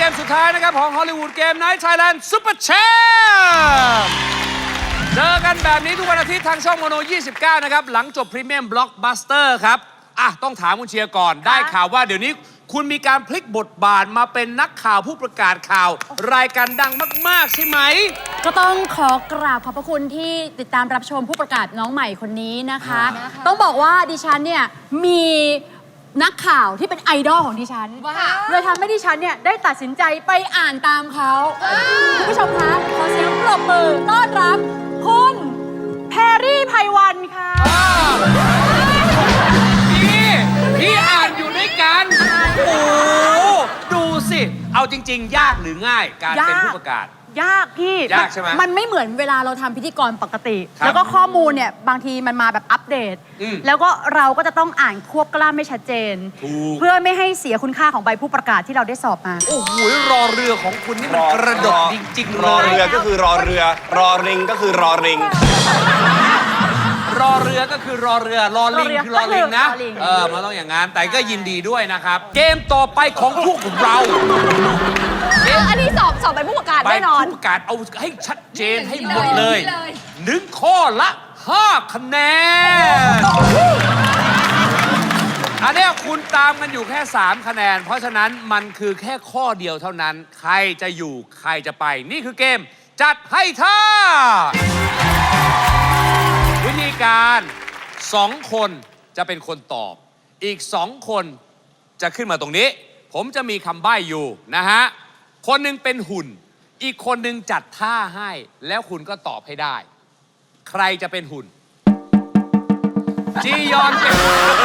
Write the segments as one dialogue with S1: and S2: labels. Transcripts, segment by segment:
S1: มสุดท้ายนะครับของฮอลลีวูดเกมไนท์ไทยแลนด์ซุปเปอร์แชมป์เจอกันแบบนี้ทุกวันอาทิตย์ทางช่องโมโน 29 นะครับ หลังจบพรีเมียมบล็อกบัสเตอร์ครับต้องถามคุณเชียร์ก่อนได้ข่าวว่าเดี๋ยวนี้คุณมีการพลิกบทบาทมาเป็นนักข่าวผู้ประกาศข่าว รายการดังมากๆใช่ไหม
S2: ก็ต้องขอกราบขอบพระคุณที่ติดตามรับชมผู้ประกาศน้องใหม่คนนี้นะคะ ต้องบอกว่าดิฉันเนี่ยมีนักข่าวที่เป็นไอดอลของดิฉันเลยทำให้ดิฉันเนี่ยได้ตัดสินใจไปอ่านตามเขาคุณผู้ชมคะขอเสียงปรบมือต้อนรับคุณแพรรี่ไพวันค่ะ
S1: พี่อ่านอยู่ด้วยกันโอ้ดูสิเอาจริงๆยากหรือง่ายการเป็นผู้ประกาศ
S2: ยากพี่
S1: ยากใช่ไหม
S2: มันไม่เหมือนเวลาเราทำพิธีกรปกติแล้วก็ข้อมูลเนี่ยบางทีมันมาแบบอัปเดตแล้วก็เราก็จะต้องอ่านควบกล้ำไม่ชัดเจนเพื่อไม่ให้เสียคุณค่าของใบผู้ประกาศที่เราได้สอบมา
S1: โอ้โหรอเรือของคุณนี่มันกระดกจริงๆ
S3: รอเรือก็คือรอเรือรอริงก็คือรอริง
S1: รอเรือก็คือรอเรือรอลิงคือรอลิงนะมันต้องอย่างนั้นแต่ก็ยินดีด้วยนะครับเกมต่อไปของพวกเรา
S2: อันนี้สอบเป็นผู้ประกาศแน่นอน
S1: ผู้ประกาศเอาให้ชัดเจนให้หมดเลย1 ข้อละ5 คะแนนอันนี้คุณตามกันอยู่แค่3 คะแนนเพราะฉะนั้นมันคือแค่ข้อเดียวเท่านั้นใครจะอยู่ใครจะไปนี่คือเกมจัดให้ท่าวิธีการ2 คนจะเป็นคนตอบอีก2 คนจะขึ้นมาตรงนี้ผมจะมีคำใบ้อยู่นะฮะคนหนึ่งเป็นหุ่นอีกคนหนึ่งจัดท่าให้แล้วคุณก็ตอบให้ได้ใครจะเป็นหุ่นจียอนเป็น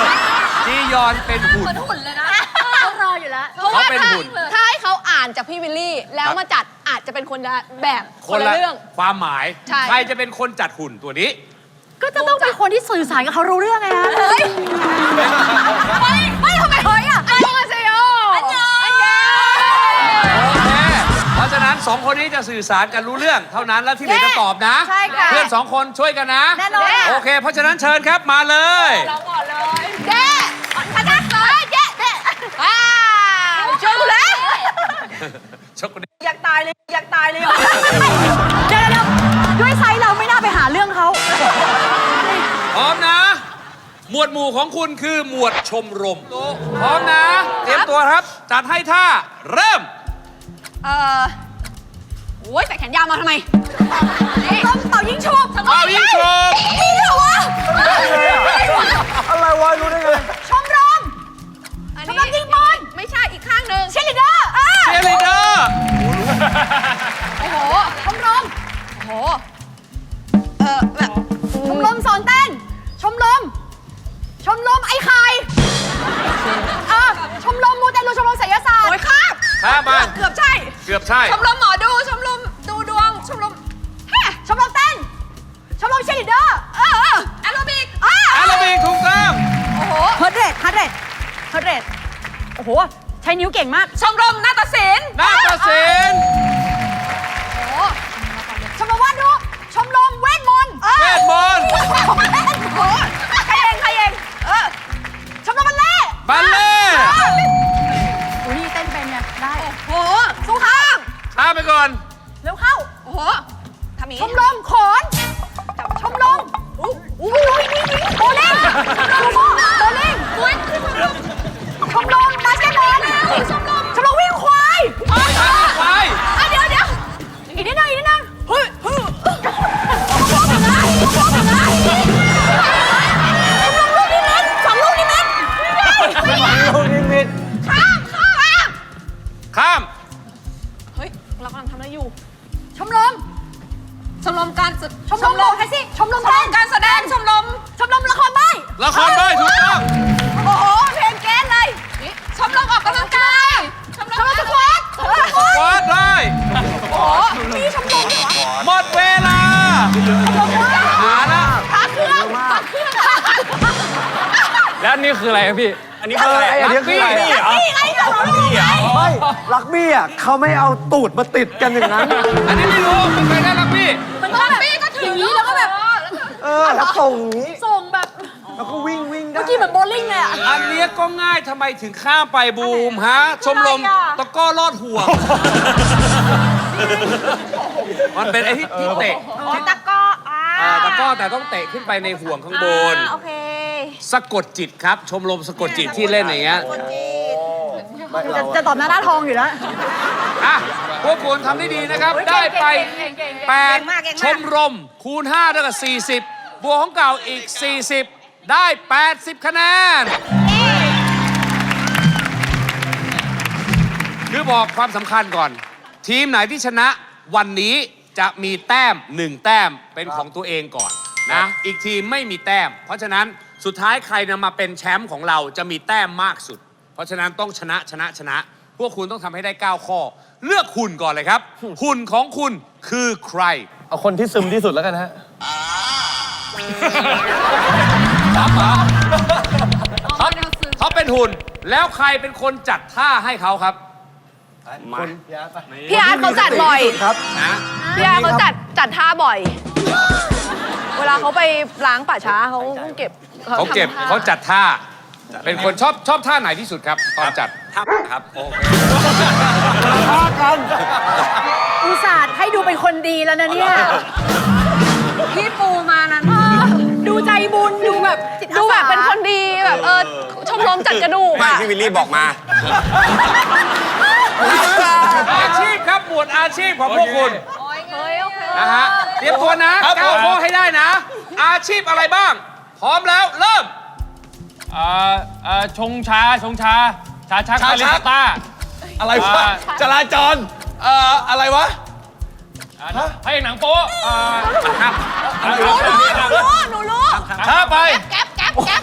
S1: หุ่น
S2: หุ่นเลยนะเขารออยู่แล้ว
S1: เขาเป็นหุ่น
S4: ถ้าให้เขาอ่านจากพี่วิลลี่แล้วมาจัดอาจจะเป็นคนละแบบคนละเรื่อง
S1: ความหมายใครจะเป็นคนจัดหุ่นตัวนี้
S2: ก็จะต้องเป็นคนที่สื่อสารกับเขารู้เรื่องไงฮะไม่ทำไมเฮ้ยอ่ะ
S4: อันยองเซโยอันยอง
S1: โอเคเพราะฉะนั้น2 คนนี้จะสื่อสารกันรู้เรื่องเท่านั้นแล้วที่เหลือจะตอบนะเพื่อน2 คนช่วยกันนะ
S2: แน่นอน
S1: โอเคเพราะฉะนั้นเชิญครับมาเลย
S4: เราก่อนเลยเจ๊คณะเลยเจ๊ช่วยกูเลยอยากตายเลยเดี๋ยว
S2: ด้วยไซส์เราไม่น่าไปหาเรื่องเขา
S1: พร้อมนะหมวดหมู่ของคุณคือหมวดชมรมพร้อมนะเตรียมตัวครับจัดให้ท่าเริ่ม
S4: โอ้ยใส่แขนยาวมาทำไม
S2: ต้องเป่ายิงฉุบ
S1: มี
S2: เหรอวะ
S3: อะไรวะรู้ได้ไง
S2: ชมรมยิงบอล
S4: ไม่ใช่อีกข้างหนึ่ง
S2: เชียร์ลีดเดอร์
S4: โอ้โห
S2: ชมรม
S4: โอ้โห
S2: แบบชมรมสอนเต้นชมรมไอ้ไข่ชมรมมูเตลูชมรมไสยศาสตร์
S4: โอ้ยข้าม
S1: มา
S4: เกือบใช่ชมรมหมอดูชมรมดูดวงชมรม
S2: เต้นชมรมเชียร์ลีดเดอร์
S4: แอโรบิก
S1: ถูกต้อง
S2: โอ้โหเฮิร์ทเรทโอ้โหใช้นิ้วเก่งมาก
S4: ชมรมนาฏศิลป์
S1: โอ้
S2: ชมรมวาดรูปชมรมเวทมนต์
S4: ใครเอง
S2: ชมรมบัลเล่อุ้ยนี่เต้นเป็นไงได้
S4: โอ้โหสู้ข้าม
S1: ไปก่อน
S2: เร็วเข้า
S4: โอ้โหทำนี้
S2: ชมรมขอนชมรมวิ่งโบลิ่งชมรมบาสเกตบอลชมรมวิ่งควายเดี๋ยวอีกนิดนึงเฮ้ยชมรมลูกนิมิต2 ลูกนิมิต
S1: ข้าม
S4: เฮ้ยเรากำลังทำอะไรอยู่
S2: ชมรม
S4: การ
S2: ชมรมแท็กซี่ชมรม
S4: การแสดงชมรม
S2: ละครใบ้
S1: ถูกต้อง
S4: โอ้โหเพลงแก๊สเลยชมรมออกกำลังกายชมรม
S2: สควอต
S1: ได้
S4: โอ้โห
S2: มีชมรมเหรอ
S1: หมดเวลาหาละ
S4: พักเครื่อง
S3: แล้วนี่คืออะไรครับพี่อันนี้คืออะไร
S1: ลักบี้
S3: ไม่ลักบี้อ่ะเขาไม่เอาตูดมาติดกันอย่างนั้น
S1: อันนี้ไม่รู้มันไปได้ลักบี้
S2: ก็ถืออย่างนี้แล้วก็แบบ
S3: แล้วส่งอย่างนี้
S2: ส่งแบบ
S3: แล้วก็วิ่งได้
S2: กี้เหมือนโบลิ่งเลยอ่ะ
S1: อันเนี้ยก็ง่ายทำไมถึงข้ามไปบูมฮะ ชมรมตะกร้อลอดห่วง มันเป็นไอ้ที่เตะ
S4: ตะก้อ
S1: ตะกร้อแต่ต้องเตะขึ้นไปในห่วงข้างบน
S4: โอเค
S1: สะกดจิตครับ ชมรมสะกดจิตที่เล่นอย่างเงี้ย
S2: จะตอบหน้าทองอยู่แล้ว
S1: อ่ะ พวกคุณทำได้ดีนะครับ ได้ไป 8 ชมรม คูณ5เท่ากับ40 บวกของเก่าอีก 40 ได้ 80 คะแนน คือบอกความสำคัญก่อน ทีมไหนที่ชนะวันนี้จะมีแต้ม 1 แต้มเป็นของตัวเองก่อนนะ อีกทีมไม่มีแต้ม เพราะฉะนั้นสุดท้ายใครนำมาเป็นแชมป์ของเราจะมีแต้มมากสุด เพราะฉะนั้นต้องชนะ พวกคุณต้องทำให้ได้ 9 ข้อ เลือกหุ่นก่อนเลยครับ หุ่นของคุณคือใคร
S3: เอาคนที่ซึมที่สุดแล้วกันฮะ
S1: เขาเป็นหุ่น แล้วใครเป็นคนจัดท่าให้เขาครับ
S4: พี่อาร์ตเขาจัดบ่อย
S3: ครับ
S1: นะ
S4: พี่อาร์ตเขาจัดท่าบ่อย เวลาเขาไปล้างป่าช้าเขาเก็บ
S1: เขาเก็บ
S4: ทำท่
S1: เขาจัดท่า เป็นคนชอบท่าไหนที่สุดครับ ตอนจัดครับโอเค
S2: อุตส่าห์ให้ดูเป็นคนดีแล้วนะเนี่ย
S4: พี่ปูมานั้น
S2: ดูใจบุญดูแบบจิตอาสา
S4: ดูแบบเป็นคนดีแบบชมรมจัดกระดูก
S5: ไม่
S4: อะ
S5: พี่วิลลี่บอกมา
S1: อาชีพครับ หมวดอาชีพของพวกคุณ
S4: เฮ้ยโอเค
S1: นะฮะ เตรียมตัวนะ9ข้อให้ได้นะ อาชีพอะไรบ้าง พร้อมแล้ว เริ่ม
S6: ชงชาชักบาริสต้า
S3: อะไรวะ จราจร อะไรวะ
S6: พระเอกหนังโป๊ะ
S4: หนูรู้
S6: ช้าไป
S4: แก๊ป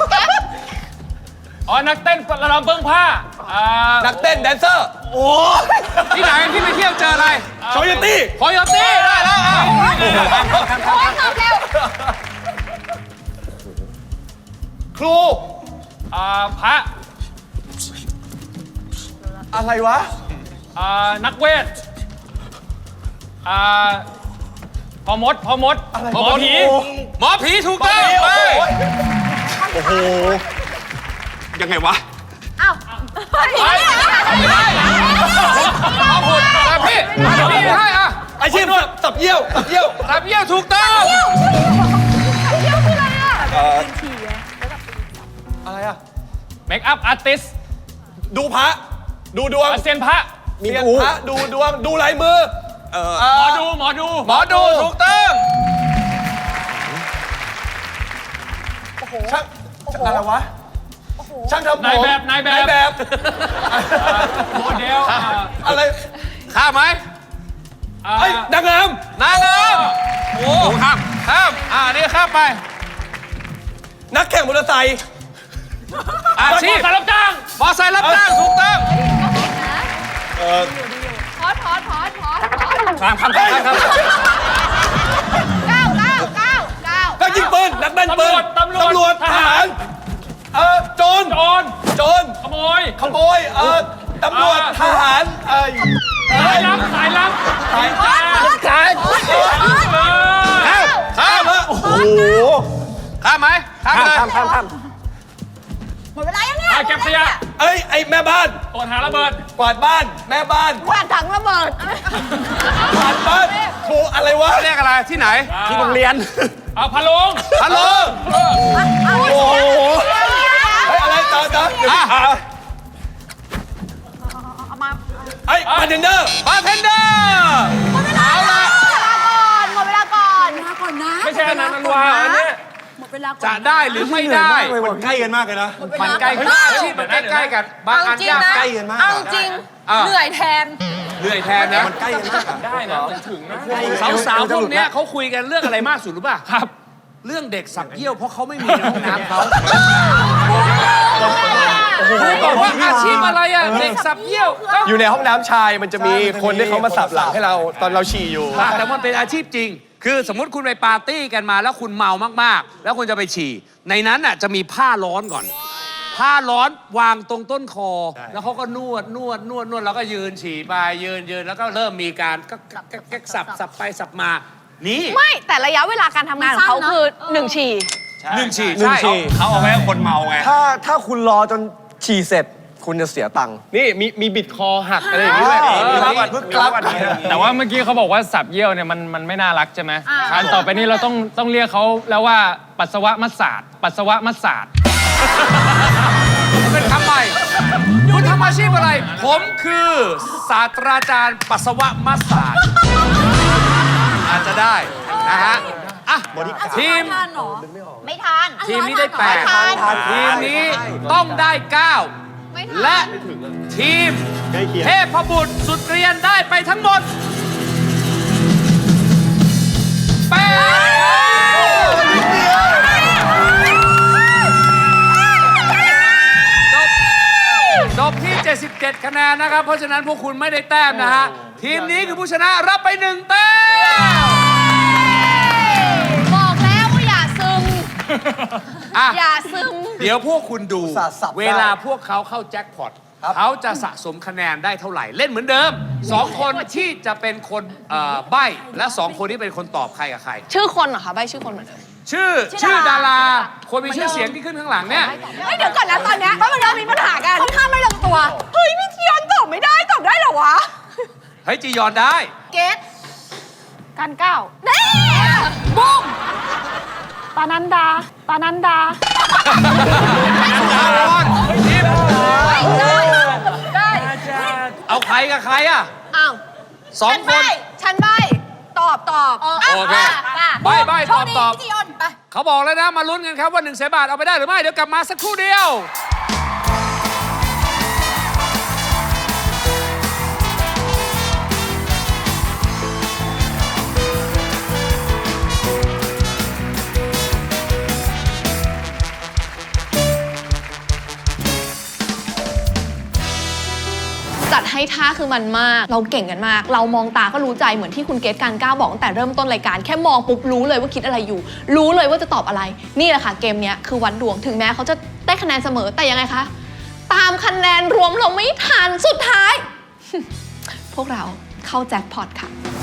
S6: นักเต้นระดมเบิ้งผ้า
S3: นักเต้นแดนเซอร์ โอ้
S1: ที่ไหนที่ไปเที่ยวเจออะไร
S3: โชโยตี้
S1: โคโยตี้ได้แล้วอ่ะ
S4: โอ้ยตอบเร็ว
S3: ครู
S6: พระ
S3: อะไรวะ
S6: นักเวทพอมดหมอผี
S1: หมอผีถูกต้องไป
S3: โอ้โห
S5: ยังไงวะ
S1: ขอบคุณแต่พี่พี่ให้อ่ะ
S3: อาชีพสับเยี่ยว
S1: รับเยี่ยวถูกต้อง
S3: อะไรอะ
S6: เมคอัพอาร์ติส
S3: ดูพระ ดูดวง
S6: เซียนพระ
S3: มีพระดูดวง ดูลายมือ
S6: หมอดู
S1: หมอดูถูกต้อง
S3: ช่างอะไรวะ ช่างทำผม
S6: นายแบบ โมเดล
S3: อะไร
S1: ข้ามไหม
S3: ไอ้ยนางงาม
S1: นางงามโอ้ข้ามนี่ข้ามไป
S3: นักแข่งมอเตอร์ไซค์
S1: อาชีพ
S6: สารรับจ้าง
S1: มอไซค์รับจ้างถูกต้อง
S4: พอด
S1: ข้าม
S4: เก้า
S3: นักยิงปืน นักแม่นปืน
S6: ตำรวจ
S3: ทหาร โจร โจร
S6: ขโมย
S3: ขโมย ตำรวจ ทหาร
S6: สายลับ
S3: สาย
S1: ข้าม
S3: โอ้โห
S1: ข้ามไหมข้ามเลย
S2: หมดเวลายังเนี่ย
S6: เก็บขยะ
S3: เอ้ย ไอ้แม่บ้าน
S6: ตรวจหาระเบิด
S3: กวาดบ้าน แม่บ้าน
S4: กวาดถังระเบิด
S3: กวาดบ้านครูอะไรวะ
S1: เรียกอะไรที่ไหน
S3: ที่โรงเรียน
S6: พะโลง
S1: ฮัลโหล
S3: โอ้โหเฮ้ยอะไรต่อเดี๋ยวไอ้บาร์เทนเดอร์
S1: บาร์เทนเดอร์เอาละ
S4: หมดเวลาก่อน
S2: มาก่อนนะ
S6: ไม่ใช่อันนั้นอันวาอันเนี้ย
S2: หมดเวลาก่อน
S1: จะได้หรือไม่ได้
S3: มันใกล้กันมากเลยนะ
S1: มันใกล้อาชีพมันใกล้ๆกัน บางอันยาก
S3: ใกล้กันมาก
S4: เอาจริง เหนื่อยแทน
S1: เหนื่อยแทนนะ
S3: มันใกล้กันมากอะ
S6: ได้นะมันถึงนะ
S1: สาวๆพวกเนี้ยเขาคุยกันเรื่องอะไรมากสุดรู้ป่ะ ครับ เรื่องเด็กสับเยี่ยวเพราะเขาไม่มีในห้องน้ำเขาบอกว่าอาชีพอะไรอ่ะเด็กสับเยี่ยวก็
S3: อยู่ในห้องน้ำชายมันจะมีคนที่เขามาสับหลังให้เราตอนเราฉี่อยู่
S1: แต่มันเป็นอาชีพจริง คือสมมติคุณไปปาร์ตี้กันมาแล้วคุณเมามากๆ แล้วคุณจะไปฉี่ ในนั้นอ่ะจะมีผ้าร้อนก่อน ผ้าร้อนวางตรงต้นคอ แล้วเขาก็นวดแล้วก็ยืนฉี่ไปยืนแล้วก็เริ่มมีการก็สับไปสับมา นี่
S4: ไม่แต่ระยะเวลาการทำงานของเขาคือ1 ฉี่
S1: 1 ฉี่
S3: หนึ่ง
S1: ใช่
S3: ฉี่
S5: เขาเอาไว้ให้คนเมาไง
S3: ถ้าคุณรอจนฉี่เสร็จ คุณจะเสียตังค์
S6: นี่มีบิดคอหักอะไรอย่างนี้ด้วย
S7: แต่ว่าเมื่อกี้เขาบอกว่าสับเยี่ยวเนี่ยมันไม่น่ารักใช่ไหมการต่อไปนี้เราต้องเรียกเขาแล้วว่าปัสสาวะมัสสาดปัสสาวะมัสสาด
S1: เป็นคำใหม่คุณทำอาชีพอะไร ผมคือศาสตราจารย์ปัสสาวะมัสสาดอาจจะได้นะฮะอ่ะทีม
S2: ทานเหรอ
S4: ไม่ทาน
S1: ทีมนี้ได้
S4: ไม่ทาน
S1: 8 ทีมนี้ต้องได้
S4: ไม่
S1: 9
S4: ทาน
S1: และทีมเทพบุตรสุดเกรียนได้ไปทั้งหมดจบที่ 77 คะแนนนะครับ เพราะฉะนั้นพวกคุณไม่ได้แต้มนะฮะ ทีมนี้คือผู้ชนะรับไป 1 แต้ม
S4: บอกแล้วว่าอย่าซึม
S1: อ่ะ
S4: อย่าซึม
S1: เดี๋ยวพวกคุณดู
S3: อุตส่าห์สับได้
S1: เวลาพวกเขาเข้าแจ็คพอตเขาจะสะสมคะแนนได้เท่าไหร่ เล่นเหมือนเดิม 2 คนที่จะเป็นคนใบ้และ 2 คนที่เป็นคนตอบใครกับใคร
S4: ชื่อคนเหรอคะใบชื่อคนเหมือนเดิม
S1: ชื่อดารา คนมีชื่อเสียงที่ขึ้นข้างหลังเนี่ย
S4: เฮ้ยเดี๋ยวก่อนนะตอนเนี้ยเพราะมันเริ่มมีปัญหากันค่อนข้างไม่ลงตัว เฮ้ยพี่จียอนตอบไม่ได้ตอบได้เหรอวะ
S1: เฮ้ยจียอนได้
S4: เกตการก้าวนี่บุ้มปานันดา
S1: ดารอนทีม
S4: ได้
S1: เอาใครกับใครอ่ะ
S4: อ้าว
S1: 2 คน
S4: ฉันใบตอบ
S1: โอเคใบ้ตอบ
S2: พี่จียอนไป
S1: เขาบอกแล้วนะ มาลุ้นกันครับว่า1 แสนบาทเอาไปได้หรือไม่ เดี๋ยวกลับมาสักครู่เดียว
S4: จัดให้ท่าคือมันมาก เราเก่งกันมาก เรามองตาก็รู้ใจเหมือนที่คุณเกตการก้าวบอกตั้งแต่เริ่มต้นรายการแค่มองปุ๊บรู้เลยว่าคิดอะไรอยู่ รู้เลยว่าจะตอบอะไร นี่แหละค่ะเกมเนี้ยคือวัดดวงถึงแม้เขาจะได้คะแนนเสมอแต่ยังไงคะตามคะแนนรวมเราไม่ทันสุดท้าย พวกเราเข้าแจ็คพอตค่ะ